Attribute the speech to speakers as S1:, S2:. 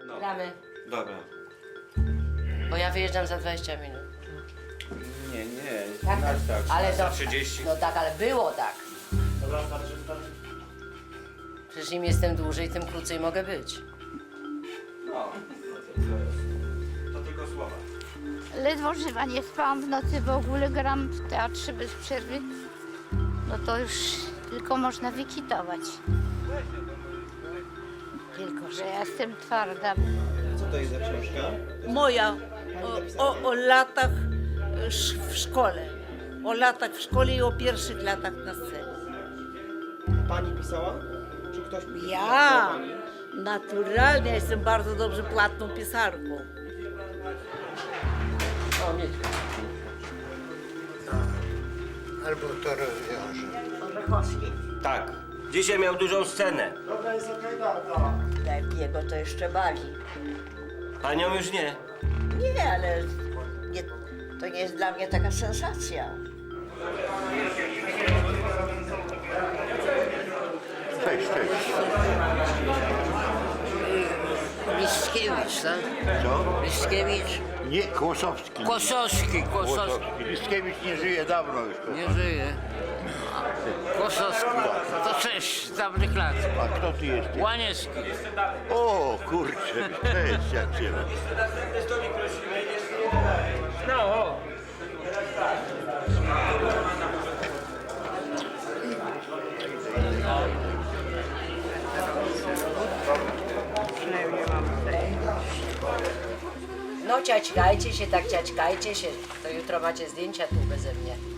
S1: No.
S2: Gramy,
S1: Dobra.
S2: bo ja wyjeżdżam za 20 minut.
S1: Nie.
S2: Tak?
S1: Tak.
S2: Ale
S1: za
S2: to,
S1: 30.
S2: no tak, ale było tak.
S3: Dobra, starczy.
S2: Przecież im jestem dłużej, tym krócej mogę być.
S1: No. To tylko słowa.
S4: Ledwo żywa, nie spałam w nocy, w ogóle gram w teatrze bez przerwy. No to już tylko można wykitować. Tylko, że ja jestem twarda.
S1: Co to jest za książka?
S5: Moja o latach w szkole. O latach w szkole i o pierwszych latach na scenie.
S6: Pani pisała? Czy ktoś pisał?
S5: Ja
S6: Pani?
S5: naturalnie jestem bardzo dobrze płatną pisarką.
S7: Albo to rozwiąże.
S8: Tak. Dzisiaj miał dużą scenę.
S3: Dobra, jest okej, Darka.
S9: Jego to jeszcze bawi.
S8: Panią już nie.
S9: Nie, ale nie, to nie jest dla mnie taka sensacja.
S7: Cześć.
S2: Liszkiewicz, tak?
S7: Co?
S2: Liszkiewicz.
S7: Nie, Kłosowski.
S2: Kłosowski.
S7: Liszkiewicz nie żyje dawno już.
S2: Nie żyje. Kłosowski. To cześć z dawnych lat.
S7: A kto ty jesteś?
S2: Łaniewski.
S7: O, kurczę, cześć, jak cię.
S2: No ciaćkajcie się, tak ciaćkajcie się. To jutro macie zdjęcia tu beze mnie.